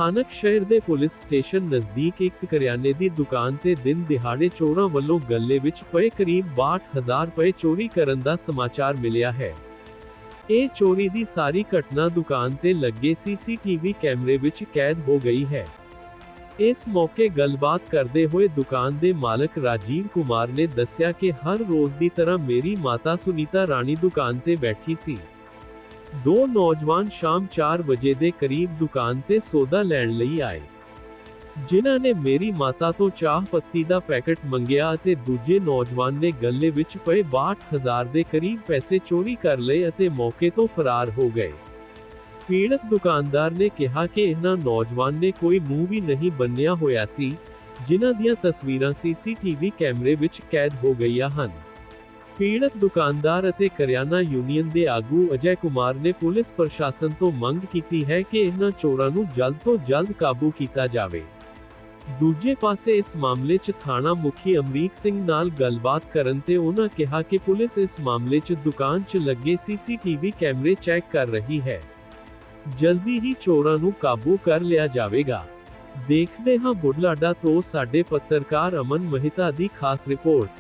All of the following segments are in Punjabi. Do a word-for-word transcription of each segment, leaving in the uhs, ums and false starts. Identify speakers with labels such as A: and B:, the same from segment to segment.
A: ਸਥਾਨਕ ਸ਼ਹਿਰ ਦੇ ਪੁਲਿਸ ਸਟੇਸ਼ਨ ਨਜ਼ਦੀਕ ਇੱਕ ਕਰਿਆਨੇ ਦੀ ਦੁਕਾਨ ਤੇ ਦਿਨ ਦਿਹਾੜੇ ਚੋਰਾਂ ਵੱਲੋਂ ਗੱਲੇ ਵਿੱਚ ਪਏ ਕਰੀਬ ਬਾਹਠ ਹਜ਼ਾਰ ਰੁਪਏ ਚੋਰੀ ਕਰਨ ਦਾ ਸਮਾਚਾਰ ਮਿਲਿਆ ਹੈ। ਇਹ ਚੋਰੀ ਦੀ ਸਾਰੀ ਘਟਨਾ ਦੁਕਾਨ ਤੇ ਲੱਗੇ ਸੀਸੀਟੀਵੀ ਕੈਮਰੇ ਵਿੱਚ ਕੈਦ ਹੋ ਗਈ ਹੈ। ਇਸ ਮੌਕੇ ਗੱਲਬਾਤ ਕਰਦੇ ਹੋਏ ਦੁਕਾਨ ਦੇ ਮਾਲਕ ਰਾਜੀਵ ਕੁਮਾਰ ਨੇ ਦੱਸਿਆ ਕਿ ਹਰ ਰੋਜ਼ ਦੀ ਤਰ੍ਹਾਂ ਮੇਰੀ ਮਾਤਾ ਸੁਨੀਤਾ ਰਾਣੀ ਦੁਕਾਨ ਤੇ ਬੈਠੀ ਸੀ। ਦੋ ਨੌਜਵਾਨ ਸ਼ਾਮ ਚਾਰ ਵਜੇ ਦੇ ਕਰੀਬ ਦੁਕਾਨ ਤੇ ਸੌਦਾ ਲੈਣ ਲਈ ਆਏ, ਜਿਨ੍ਹਾਂ ਨੇ ਮੇਰੀ ਮਾਤਾ ਤੋਂ ਚਾਹ ਪੱਤੀ ਦਾ ਪੈਕੇਟ ਮੰਗਿਆ ਅਤੇ ਦੂਜੇ ਨੌਜਵਾਨ ਨੇ ਗੱਲੇ ਵਿੱਚ ਪਏ ਬਾਹਠ ਹਜ਼ਾਰ ਦੇ ਕਰੀਬ ਪੈਸੇ ਚੋਰੀ ਕਰ ਲਏ ਅਤੇ ਮੌਕੇ ਤੋਂ ਫਰਾਰ ਹੋ ਗਏ। ਪੀੜਤ ਦੁਕਾਨਦਾਰ ਨੇ ਕਿਹਾ ਕਿ ਇਹਨਾਂ ਨੌਜਵਾਨ ਨੇ ਕੋਈ ਮੂੰਹ ਵੀ ਨਹੀਂ ਬੰਨਿਆ ਹੋਇਆ ਸੀ, ਜਿਨ੍ਹਾਂ ਦੀਆਂ ਤਸਵੀਰਾਂ ਸੀਸੀਟੀਵੀ ਕੈਮਰੇ ਵਿੱਚ ਕੈਦ ਹੋ ਗਈਆਂ ਹਨ। ਪੀੜਤ ਦੁਕਾਨਦਾਰ ਅਤੇ ਕਰਿਆਨਾ ਯੂਨੀਅਨ ਦੇ ਆਗੂ ਅਜੈ ਕੁਮਾਰ ਨੇ ਪੁਲਿਸ ਪ੍ਰਸ਼ਾਸਨ ਤੋਂ ਮੰਗ ਕੀਤੀ ਹੈ ਕਿ ਇਹਨਾਂ ਚੋਰਾਂ ਨੂੰ ਜਲਦ ਤੋਂ ਜਲਦ ਕਾਬੂ ਕੀਤਾ ਜਾਵੇ। ਦੂਜੇ ਪਾਸੇ ਇਸ ਮਾਮਲੇ 'ਚ ਥਾਣਾ ਮੁਖੀ ਅਮਰੀਕ ਸਿੰਘ ਨਾਲ ਗੱਲਬਾਤ ਕਰਨ ਤੇ ਉਹਨਾਂ ਕਿਹਾ ਕਿ ਪੁਲਿਸ ਇਸ ਮਾਮਲੇ 'ਚ ਦੁਕਾਨ 'ਚ ਲੱਗੇ ਸੀਸੀਟੀਵੀ ਕੈਮਰੇ ਚੈੱਕ ਕਰ ਰਹੀ ਹੈ। ਜਲਦੀ ਹੀ ਚੋਰਾਂ ਨੂੰ ਕਾਬੂ ਕਰ ਲਿਆ ਜਾਵੇਗਾ। ਦੇਖਦੇ ਹਾਂ ਬੁਢਲਾਡਾ ਤੋਂ ਸਾਡੇ ਪੱਤਰਕਾਰ ਅਮਨ ਮਹਿਤਾ ਦੀ ਖਾਸ ਰਿਪੋਰਟ।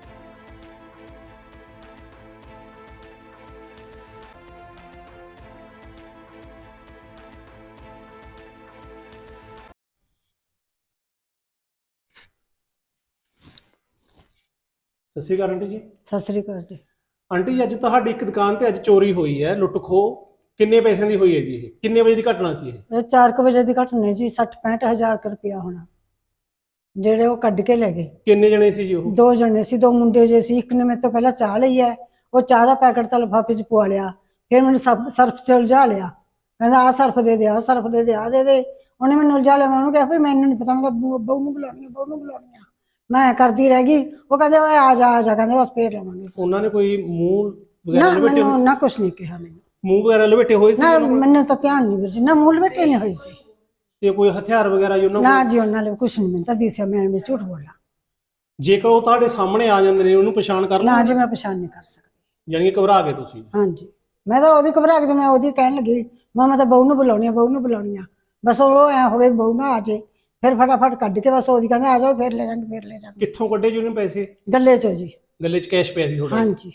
B: ਸਤਿ ਸ਼੍ਰੀ ਅਕਾਲ ਆਂਟੀ ਜੀ।
C: ਸਤਿ ਸ੍ਰੀ ਅਕਾਲ ਜੀ।
B: ਆਂਟੀ ਜੀ, ਅੱਜ ਤੁਹਾਡੀ ਇੱਕ ਦੁਕਾਨ ਤੇ ਅੱਜ ਚੋਰੀ ਹੋਈ ਹੈ, ਲੁੱਟ ਖੋਹ। ਕਿੰਨੇ ਪੈਸਿਆਂ ਦੀ ਹੋਈ ਹੈ ਜੀ? ਇਹ ਕਿੰਨੇ ਵਜੇ ਦੀ ਘਟਨਾ ਸੀ? ਇਹ
C: ਇਹ ਚਾਰ ਕੁ ਵਜੇ ਦੀ ਘਟਨਾ ਜੀ। ਸੱਠ ਪੈਂਹਠ ਹਜ਼ਾਰ ਕੁ ਰੁਪਇਆ ਹੋਣਾ, ਜਿਹੜੇ ਉਹ ਕੱਢ ਕੇ ਲੈ ਗਏ।
B: ਕਿੰਨੇ ਜਣੇ ਸੀ ਜੀ ਉਹ?
C: ਦੋ ਜਣੇ ਸੀ, ਦੋ ਮੁੰਡੇ ਜੇ ਸੀ। ਇੱਕ ਨੇ ਮੇਰੇ ਤੋਂ ਪਹਿਲਾਂ ਚਾਹ ਲਈ ਹੈ, ਉਹ ਚਾਹ ਦਾ ਪੈਕਟ ਤਾਂ ਲਿਫਾਫੇ 'ਚ ਪਵਾ ਲਿਆ। ਫਿਰ ਮੈਨੂੰ ਸਭ ਸਰਫ 'ਚ ਉਲਝਾ ਲਿਆ, ਕਹਿੰਦਾ ਆਹ ਸਰਫ ਦੇ ਦੇ, ਆਹ ਸਰਫ ਦੇ ਦੇ, ਆਹ ਦੇ ਦੇ। ਉਹਨੇ ਮੈਨੂੰ ਉਲਝਾ ਲਿਆ। ਮੈਂ ਉਹਨੂੰ ਕਿਹਾ ਵੀ ਮੈਨੂੰ ਨਹੀਂ ਪਤਾ, ਮੈਂ ਤਾਂ ਬਹੂ ਨੂੰ ਬੁਲਾਉਣੀ ਆ, ਬਹੂ ਨੂੰ ਬੁਲਾਉਣੀ ਆ। ਮੈਂ ਕਰਦੀ ਰਹਿ ਗਈ। ਉਹ ਕਹਿੰਦੇ ਓਏ ਆ ਜਾ ਆ ਜਾ, ਕਹਿੰਦੇ ਬਸ ਫੇਰ ਲਵਾਂਗੇ।
B: ਉਹਨਾਂ ਨੇ ਕੋਈ ਮੂੰਹ ਵਗੈਰਾ
C: ਨਾ
B: ਲਪੇਟੇ ਹੋਏ
C: ਮੈਨੂੰ
B: ਸੀ?
C: ਨਾ ਕੁਛ ਨਹੀਂ ਕਿਹਾ ਮੈਨੂੰ।
B: ਮੂੰਹ ਵਗੈਰਾ ਲਪੇਟੇ ਹੋਏ ਸੀ?
C: ਨਾ ਮੈਨੂੰ ਤਾਂ ਧਿਆਨ ਨਹੀਂ ਵੀਰ ਜੀ, ਨਾ ਮੂੰਹ ਲਪੇਟੇ ਨਹੀਂ ਹੋਈ ਸੀ।
B: ਤੇ ਕੋਈ ਹਥਿਆਰ ਵਗੈਰਾ ਜੀ ਉਹਨਾਂ
C: ਨਾ
B: ਕੋਲ?
C: ਜੀ ਉਹਨਾਂ ਨੇ ਕੁਛ ਨਹੀਂ, ਮੈਨੂੰ ਤਾਂ ਦਿਸਿਆ। ਮੈਂ ਐਵੇਂ ਝੂਠ ਬੋਲਾਂ?
B: ਜੇਕਰ ਉਹ ਤੁਹਾਡੇ ਸਾਹਮਣੇ ਆ ਜਾਂਦੇ ਨੇ, ਉਹਨੂੰ ਪਛਾਣ ਕਰ
C: ਨਾ
B: ਲਓ?
C: ਜੀ ਮੈਂ ਪਛਾਣ ਨਹੀਂ ਕਰ ਸਕਦੀ।
B: ਯਾਨੀ ਕਿ ਘਬਰਾ ਗਏ ਤੁਸੀਂ?
C: ਹਾਂਜੀ, ਮੈਂ ਤਾਂ ਉਹਦੀ ਘਬਰਾ ਕੇ ਮੈਂ ਉਹਦੀ ਕਹਿਣ ਲੱਗੀ, ਮੈਂ ਮੈਂ ਤਾਂ ਬਹੂ ਨੂੰ ਬੁਲਾਉਣੀ ਆ, ਬਹੂ ਨੂੰ ਬੁਲਾਉਣੀ ਆ। ਬਸ ਉਹ ਐ ਹੋਵੇ ਬਹੂ ਨਾ ਆ ਜੇ, ਫਿਰ ਫਟਾਫਟ ਕੱਢ ਕੇ ਬਸ ਉਹਦੀ ਕਹਿੰਦੇ ਆ ਜਾਓ, ਫਿਰ ਲੈ ਜਾਵਾਂਗੇ, ਫਿਰ ਲੈ ਜਾਵਾਂਗੇ।
B: ਕਿੱਥੋਂ ਕੱਢੇ ਜੀ ਉਹਨੇ ਪੈਸੇ?
C: ਗੱਲੇ ਚੋਂ ਜੀ।
B: ਗੱਲੇ 'ਚ ਕੈਸ਼ ਪਿਆ ਸੀ ਤੁਹਾਡਾ?
C: ਹਾਂਜੀ,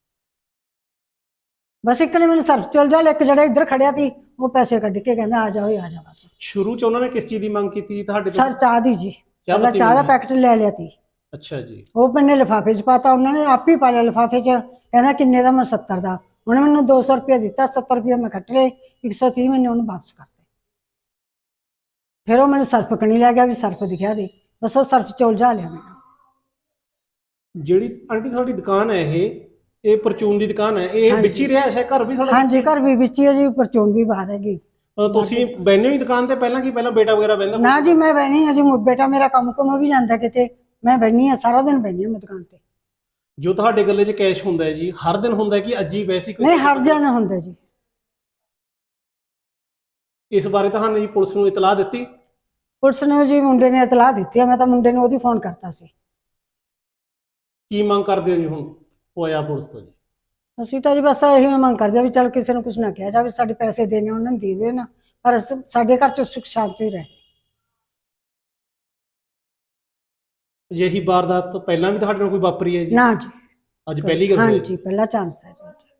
C: ਬਸ ਇੱਕ ਨੇ ਮੈਨੂੰ ਸਰਫ ਚਲ ਜਾ, ਇੱਕ ਜਿਹੜਾ ਇੱਧਰ ਖੜਿਆ ਸੀ ਉਹ ਪੈਸੇ ਕੱਢ ਕੇ ਕਹਿੰਦਾ ਆ ਜਾਓ, ਆ ਜਾ। ਬਸ
B: ਸ਼ੁਰੂ 'ਚ ਉਹਨਾਂ ਨੇ ਕਿਸ ਚੀਜ਼ ਦੀ ਮੰਗ ਕੀਤੀ ਤੁਹਾਡੇ ਤੋਂ?
C: ਸਰ ਚਾਹ ਦੀ ਜੀ। ਪਹਿਲਾਂ ਚਾਹ ਦਾ ਪੈਕਟ ਲੈ ਲਿਆ ਸੀ।
B: ਅੱਛਾ ਜੀ।
C: ਉਹ ਮੈਨੇ ਲਿਫਾਫੇ 'ਚ ਪਾਤਾ, ਉਹਨਾਂ ਨੇ ਆਪ ਹੀ ਪਾ ਲਿਆ ਲਿਫਾਫੇ 'ਚ। ਕਹਿੰਦਾ ਕਿੰਨੇ ਦਾ? ਮੈਂ ਸੱਤਰ ਦਾ। ਉਹਨੇ ਮੈਨੂੰ ਦੋ ਸੌ ਰੁਪਇਆ ਦਿੱਤਾ, ਸੱਤਰ ਰੁਪਇਆ ਮੈਂ ਕੱਟ ਲਏ, ਇੱਕ ਸੌ ਤੀਹ ਮੈਨੇ ਉਹਨੂੰ ਵਾਪਸ ਕਰਤੇ। ਫਿਰ ਉਹ ਮੈਨੂੰ ਸਰਫ ਕਣੀ ਲੈ ਗਿਆ ਵੀ ਸਰਫ ਦਿਖਿਆ ਦੇ, ਬਸ ਉਹ ਸਰਫ 'ਚ ਉਲਝਾ ਲਿਆ ਮੈਨੂੰ।
B: ਜਿਹੜੀ ਆਂਟੀ ਤੁਹਾਡੀ ਦੁਕਾਨ ਹੈ, ਇਹ ਇਹ ਪਰਚੂਨ ਦੀ ਦੁਕਾਨ ਹੈ, ਇਹ ਵਿੱਚ ਹੀ ਰਿਹਾ ਹੈ? ਘਰ ਵੀ ਤੁਹਾਡਾ?
C: ਹਾਂਜੀ, ਘਰ ਵੀ ਵਿੱਚ ਹੀ ਹੈ ਜੀ, ਪਰਚੂਨ ਵੀ ਬਾਹਰ ਹੈਗੀ।
B: ਤੁਸੀਂ ਬੈਠੇ ਹੋ ਦੁਕਾਨ ਤੇ ਪਹਿਲਾਂ ਕੀ ਪਹਿਲਾਂ ਬੇਟਾ ਵਗੈਰਾ ਬੈਠਦਾ?
C: ਨਾ ਜੀ ਮੈਂ ਬੈਣੀ ਹਾਂ ਜੀ, ਬੇਟਾ ਮੇਰਾ ਕੰਮ ਕੁਮ ਵੀ ਜਾਂਦਾ ਕਿਤੇ, ਮੈਂ ਬੈਣੀ ਹਾਂ ਸਾਰਾ ਦਿਨ, ਬੈਣੀ ਹਾਂ ਮੈਂ ਦੁਕਾਨ ਤੇ।
B: ਜੋ ਤੁਹਾਡੇ ਗੱਲੇ 'ਚ ਕੈਸ਼ ਹੁੰਦਾ ਹੈ ਜੀ, ਹਰ ਦਿਨ ਹੁੰਦਾ ਕਿ ਅੱਜ ਹੀ ਵੈਸੇ ਕੋਈ?
C: ਨਹੀਂ, ਹਰ ਦਿਨ ਹੁੰਦਾ ਜੀ।
B: ਇਸ ਬਾਰੇ ਤੁਹਾਨੂੰ ਜੀ ਪੁਲਿਸ ਨੂੰ ਇਤਲਾਹ ਦਿੱਤੀ?
C: ਪੁਲਿਸ ਨੇ ਜੀ, ਮੁੰਡੇ ਨੇ ਇਤਲਾਹ ਦਿੱਤੀ ਹੈ। ਮੈਂ ਤਾਂ ਮੁੰਡੇ ਨੂੰ ਉਹਦੀ ਫੋਨ ਕਰਤਾ ਸੀ।
B: ਕੀ ਮੰਗ ਕਰਦੇ ਹੋ ਜੀ ਹੁਣ ਹੋਇਆ ਪੁਲਿਸ ਤੋਂ ਜੀ?
C: ਅਸੀਂ ਤਾਂ ਜੀ ਬਸ ਇਹੀ ਮੰਗ ਕਰਦੇ ਆ ਵੀ ਚੱਲ ਕਿਸੇ ਨੂੰ ਕੁਛ ਨਾ ਕਿਹਾ ਜਾਵੇ, ਸਾਡੇ ਪੈਸੇ ਦੇਣੇ ਉਹਨਾਂ ਨੂੰ ਦੇ ਦੇਣ, ਪਰ ਸਾਡੇ ਘਰ 'ਚ ਸੁੱਖ ਸ਼ਾਂਤੀ ਰਹੇ।
B: ਅਜਿਹੀ ਵਾਰਦਾਤ ਪਹਿਲਾਂ ਵੀ ਤੁਹਾਡੇ ਨਾਲ ਕੋਈ ਵਾਪਰੀ ਹੈ ਜੀ?
C: ਨਾ ਜੀ,
B: ਅੱਜ ਪਹਿਲੀ ਗੱਲ ਹੋਈ?
C: ਹਾਂਜੀ, ਪਹਿਲਾ ਚਾਂਸ ਹੈ ਜੀ।